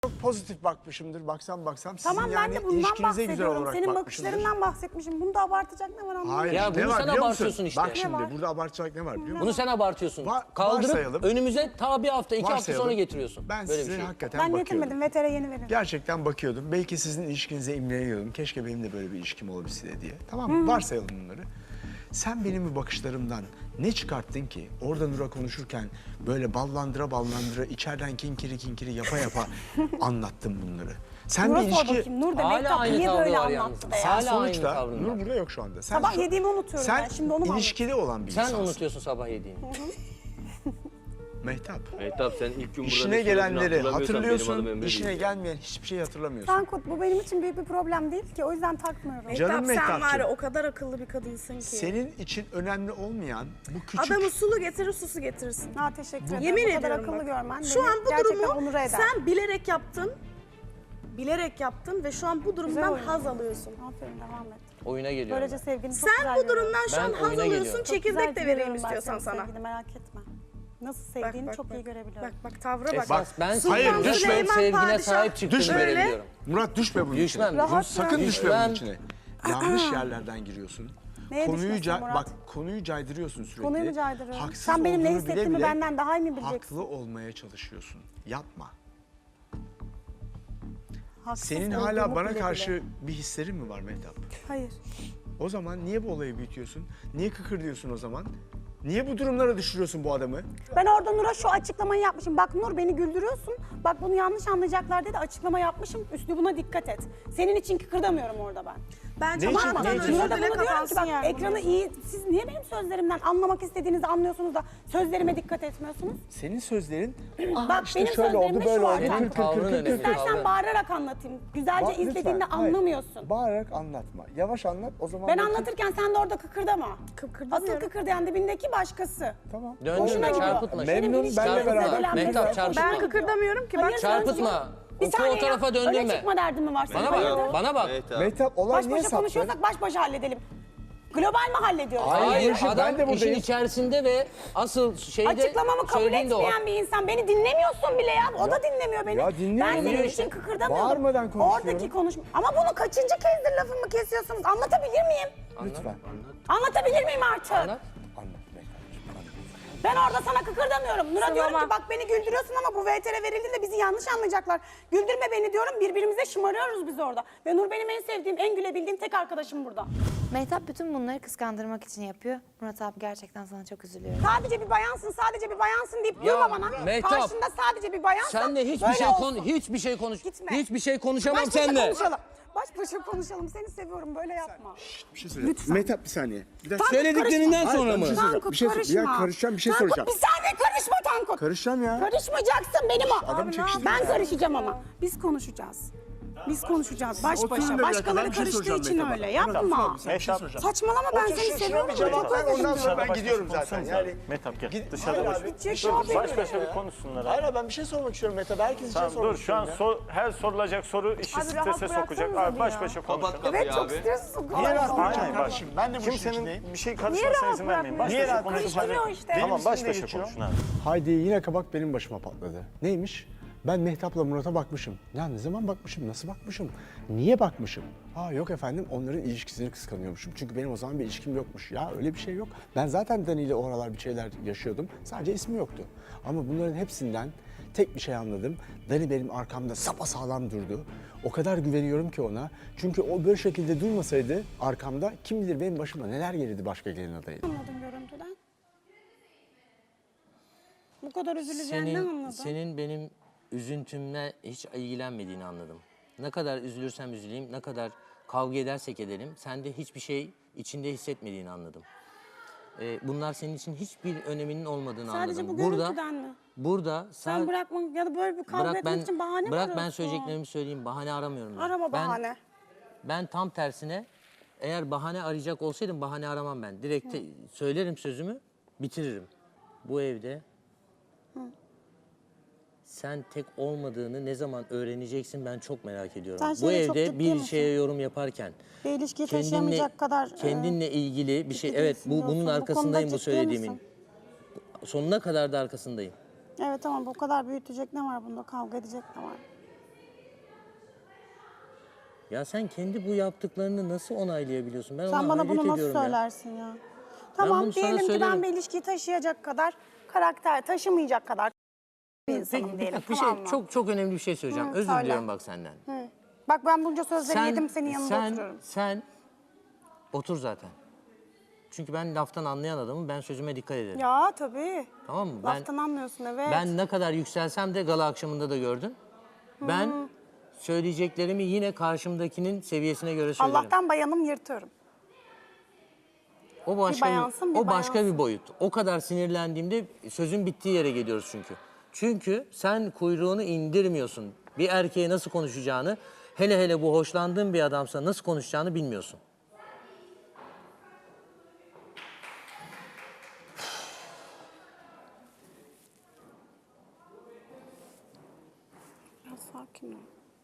Çok pozitif bakmışımdır. Baksam sizin Tamam ben yani de bundan ilişkinize güzel bahsediyorum. olarak Senin bakmışımdır. bakışlarından bahsetmişim. Bunu da abartacak ne var anlamadım. Hayır, Ya ne bunu var sen biliyor abartıyorsun musun? işte. Bak şimdi var? burada abartacak ne var biliyor musun? Bunu sen abartıyorsun. Varsayalım. Kaldırıp önümüze ta bir hafta, 2 hafta Varsayalım. sonra getiriyorsun. Ben Böyle size bir şey. hakikaten Ben bakıyordum. getirmedim. VTR yeni verin. Gerçekten bakıyordum. Belki sizin ilişkinize imreniyordum. Keşke benim de böyle bir ilişkim olabilse diye. Tamam mı? Varsayalım bunları. Sen benim bu bakışlarımdan ne çıkarttın ki? Orada Nur'a konuşurken böyle ballandıra içeriden kinkiri yapa anlattın bunları. Sen Nur'a bir sor ilişki... bakayım. Nur da Hala Mehtap aynı niye tavrı böyle var yalnız. anlattı be ya? Sen Hala aynı sonuçta, tavrında. Nur burada yok şu anda. Sen Sabah yediğimi unutuyorum sen ben. Şimdi onu mu ilişkili olan bir Sen insansın. unutuyorsun sabah yediğini. Mehtap. Mehtap sen ilk gün burada İşine ne söylediğini gelenleri hatırlamıyorsan benim adım hatırlıyorsun, Emre işine değil. gelmeyen hiçbir şeyi hatırlamıyorsun. Tankut bu benim için büyük bir problem değil ki. O yüzden takmıyorum. Canım Mehtap sen var Mehtapçığım. ya o kadar akıllı bir kadınsın ki. Senin için önemli olmayan bu küçük... Adamı sulu getirir susu getirirsin. Ha, teşekkür ederim. Yemin bu kadar ediyorum akıllı bak. görmen Şu beni an bu gerçekten durumu onur eder. sen bilerek yaptın. Bilerek yaptın ve şu an bu durumdan oyun. haz alıyorsun. Aferin devam et. Oyuna geliyorum. Böylece ben. sevgini çok güzel Sen bu görüyorum. durumdan şu an Ben haz oyuna alıyorsun. geliyorum. Çok Çekirdek güzel de vereyim görüyorum ben istiyorsan senin sana. sevgini, merak etme. Nasıl sevdiğini çok iyi görebiliyorum. Bak tavra bak. Esas ben Sultan Hayır, düşme. Süleyman sevgine Padişah sahip çıktığını Düşme. görebiliyorum. Murat düşme bunun Düşmem. içine. Rahat Sakın bırak. düşme bunun Düşmem. içine. Yanlış yerlerden giriyorsun. Neye düşmesin Murat? Bak konuyu caydırıyorsun sürekli. Konuyu mu caydırıyorum? Haksız Sen benim ne olduğunu hissettiğimi bile benden daha iyi mi bileceksin? Haklı olmaya çalışıyorsun. Yapma. Haksız Senin olduğumu hala bana bile karşı bile. bir hislerin mi var Mehtap? Hayır. O zaman niye bu olayı büyütüyorsun? Niye kıkırdıyorsun o zaman? Niye bu durumlara düşürüyorsun bu adamı? Ben orada Nur'a şu açıklamayı yapmışım. Bak Nur beni güldürüyorsun. Bak bunu yanlış anlayacaklar dedi açıklama yapmışım. Üslubuna dikkat et. Senin için kıkırdamıyorum orada ben. Bence Ne için- Mahmut'tan ne için? özür Nur'a da dile bunu diyorum ki kapansın bak yani. ekranı iyi. Siz niye benim sözlerimden anlamak istediğinizi anlıyorsunuz da sözlerime dikkat etmiyorsunuz? Senin sözlerin Bak işte benim şöyle oldu sözlerimde böyle şu var. oldu. Senin Tankut. tavrın önemli. İstersen tavrın. bağırarak anlatayım. Güzelce Bak, izlediğinde lütfen, hayır. anlamıyorsun. Bağırarak anlatma. Yavaş anlat o zaman. Ben belki- anlatırken sen de orada kıkırdama. Asıl Kıkırdamıyorum. kıkırdayan dibindeki başkası. Tamam. Döndürme, Hoşuna gidiyor. çarpıtma. Memnun, Benim benle ilişkilerim beraber. zedelenmesi Mehtap, çok çarpıtma. hoşuma Ben gidiyor. kıkırdamıyorum ki. Bak Hayır, Çarpıtma. Bir O saniye tarafa ya. döndürme. Öyle çıkma derdin mi var senin? Bana bak, Hayırdır? bana bak. Mehtap olay Baş niye başa saptı? konuşuyorsak baş başa halledelim. Global mi hallediyoruz? Hayır, ben adam de işin buradayım. içerisinde ve asıl şeyde Açıklamamı kabul söylediğinde o. etmeyen bir insan. Beni dinlemiyorsun bile ya. O da dinlemiyor beni. Ya dinliyor, ben senin dinliyor için işte. kıkırdamıyorum. Bağırmadan konuşuyorum. Oradaki konuşma. Ama bunu kaçıncı kezdir lafımı kesiyorsunuz? Anlatabilir miyim? Lütfen. Anlatabilir miyim artık? Anlat. Anlat Mehtap'cığım. Anlat. Ben orada sana kıkırdamıyorum. Nur'a diyorum Sılama. ki bak beni güldürüyorsun ama bu VTR verildiğinde bizi yanlış anlayacaklar. Güldürme beni diyorum. Birbirimize şımarıyoruz biz orada. Ve Nur benim en sevdiğim, en gülebildiğim tek arkadaşım burada. Mehtap bütün bunları kıskandırmak için yapıyor. Murat abi gerçekten sana çok üzülüyorum. Sadece bir bayansın, sadece bir bayansın deyip Ya, durma bana. Mehtap, Karşında sadece bir bayansan Sen de hiçbir böyle şey olsun. Gitme. Hiçbir şey Baş konuşamam başa seninle. konuşalım. Baş başa konuşalım. Seni seviyorum. Böyle yapma. Bir şey söyleyeceğim. Mehtap bir saniye. Bir dakika. Tankut, Söylediklerinden karışma. sonra mı? Bir şey söyleyeceğim. Tankut, Bir şey karışma. Ya karışacağım, bir şey Tankut, soracağım. bir saniye karışma Tankut. Karışacağım ya. Karışmayacaksın benim o. Adamı çekiştirme. Ben karışacağım ama. Biz konuşacağız. Biz konuşacağız baş Oturun da başa. bir dakika, Başkaları ben bir şey karıştığı soracağım için Mehtap'a. öyle. Yapma. Saçmalama ben seni seviyorum. Bir cevap Çok ver ondan özledim. sonra ben gidiyorum zaten. Yani Mehtap gel. Gid- Dışarıda Hayır boş. abi. Gidecek Şey abi. Baş başa bir konuşsunlar Hayır abi. abi ben bir şey sormak istiyorum Mehtap. Herkes için Tamam sormak dur şu an istiyorum her sorulacak soru işi Abi rahat strese sokacak. bıraksanıza Abi baş ya. başa konuşun. Evet çok stresli ya. Niye rahat Aynen bırakacağım bak. kardeşim? Ben de bu işin içindeyim. Kimsenin bir şey Niye karışmasına rahat izin vermeyin. Baş Niye başa rahat konuşun. Karıştırıyor işte. Tamam baş Benim başa geçiyor. konuşun abi. Haydi yine kabak benim başıma patladı. Neymiş? Ben Mehtap'la Murat'a bakmışım. Ya ne zaman bakmışım, nasıl bakmışım, niye bakmışım? Yok efendim onların ilişkisini kıskanıyormuşum. Çünkü benim o zaman bir ilişkim yokmuş. Ya öyle bir şey yok. Ben zaten Dani ile o aralar bir şeyler yaşıyordum. Sadece ismi yoktu. Ama bunların hepsinden tek bir şey anladım. Dani benim arkamda sapasağlam durdu. O kadar güveniyorum ki ona. Çünkü o böyle şekilde durmasaydı arkamda kim bilir benim başıma neler gelirdi başka gelin adayı. Anladım görüntüden. Bu kadar üzüleceğini anladım. Senin benim üzüntümle hiç ilgilenmediğini anladım. Ne kadar üzülürsem üzüleyim, ne kadar kavga edersek edelim, sende hiçbir şey içinde hissetmediğini anladım. Bunlar senin için hiçbir öneminin olmadığını Sadece anladım. bu görüntüden mi? Burada Sen bırakma ya da böyle bir kavga etmek için bahane mi bırak arıyorsun? ben söyleyeceklerimi söyleyeyim. Bahane aramıyorum ben. Arama Ben- bahane. Ben tam tersine eğer bahane arayacak olsaydım bahane aramam ben. Direkt söylerim sözümü, bitiririm. Bu evde sen tek olmadığını ne zaman öğreneceksin ben çok merak ediyorum. Sen Bu şeyde çok evde ciddi bir misin? şeye yorum yaparken Bir ilişkiyi taşıyamayacak kadar... kendinle ilgili bir şey evet değilsin bunun diyorsun. Bu arkasındayım konuda bu ciddi söylediğimin. misin? Sonuna kadar da arkasındayım. Evet tamam bu kadar büyütecek ne var bunda? Kavga edecek ne var? Ya sen kendi bu yaptıklarını nasıl onaylayabiliyorsun? Ben Sen ona bana hayret bunu nasıl ediyorum ya. söylersin ya? Tamam bunu sana diyelim ki ben söylerim. bir ilişkiyi taşıyacak kadar karakter taşımayacak kadar bir insanım Peki diyelim. bir tamam şey mı? çok önemli bir şey söyleyeceğim. Hı, Özür söyle. diliyorum bak senden. Bak ben bunca sözleri yedim senin yanında oturuyorum. Sen otur zaten. Çünkü ben laftan anlayan adamım. Ben sözüme dikkat ederim. Ya tabii. Tamam mı? Laftan anlıyorsun evet. Ben ne kadar yükselsem de gala akşamında da gördün. Ben söyleyeceklerimi yine karşımdakinin seviyesine göre söylerim. Allah'tan bayanım yırtıyorum. O başka bayansın, bir o başka bayansın. bir boyut. O kadar sinirlendiğimde sözün bittiği yere geliyoruz çünkü. Çünkü sen kuyruğunu indirmiyorsun. Bir erkeğe nasıl konuşacağını, hele hele bu hoşlandığın bir adamsa nasıl konuşacağını bilmiyorsun. Biraz sakin ol.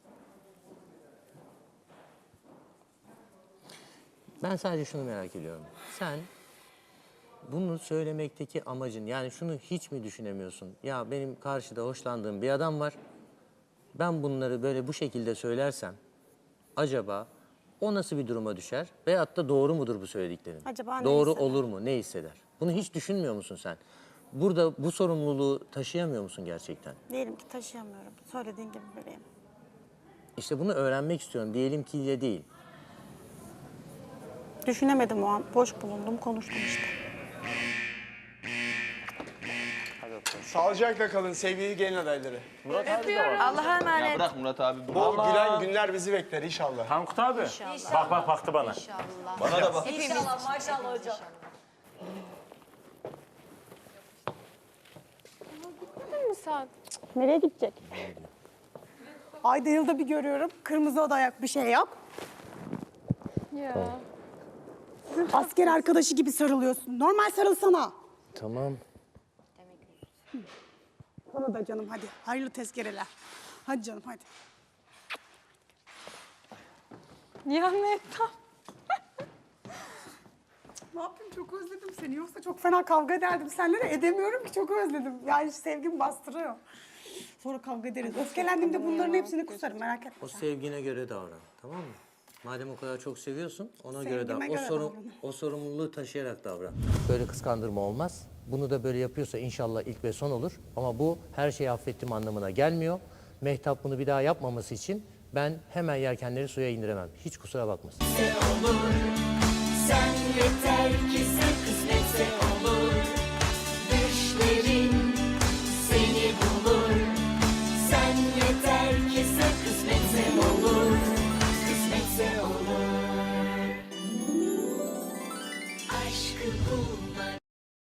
Ben sadece şunu merak ediyorum. Sen bunu söylemekteki amacın, yani şunu hiç mi düşünemiyorsun? Ya benim karşıda hoşlandığım bir adam var. Ben bunları böyle bu şekilde söylersem acaba o nasıl bir duruma düşer? Veyahut da doğru mudur bu söylediklerim? Acaba ne doğru hisseder? olur mu? Ne hisseder? Bunu hiç düşünmüyor musun sen? Burada bu sorumluluğu taşıyamıyor musun gerçekten? Diyelim ki taşıyamıyorum. Söylediğin gibi bebeğim. İşte bunu öğrenmek istiyorum. Diyelim ki ile değil. Düşünemedim o an. Boş bulundum, konuştum işte. Sağlıcakla kalın sevgili gelin adayları. Murat abi de var. Allah'a emanet. Ya bırak Murat abi. Bu gülen günler bizi bekler inşallah. Tankut abi. Bak bak baktı bana. Bana da bak. Nereye gidecek? Ayda yılda bir görüyorum. Kırmızı oda ayak bir şey yok. Ya. Asker arkadaşı gibi sarılıyorsun. Normal sarılsana. Tamam. Sana da canım hadi. Hayırlı tezkereler. Hadi canım hadi. Ya Mehtap. Ne yapayım çok özledim seni. Yoksa çok fena kavga ederdim seninle de edemiyorum ki çok özledim. Yani sevgim bastırıyor. Sonra kavga ederiz. Öfkelendiğimde bunların hepsini kusarım merak etme. O sevgine göre davran. Tamam mı? Madem o kadar çok seviyorsun, ona göre Sevgime davran. göre davran. O sorumluluğu taşıyarak davran. Böyle kıskandırma olmaz. Bunu da böyle yapıyorsa inşallah ilk ve son olur. Ama bu her şeyi affettim anlamına gelmiyor. Mehtap bunu bir daha yapmaması için ben hemen yelkenleri suya indiremem. Hiç kusura bakmasın. Sen yeter ki sen kısmetse olur. Düşlerin seni bulur. Sen yeter ki sen kısmetse olur. Kısmetse olur. Aşkı bulmak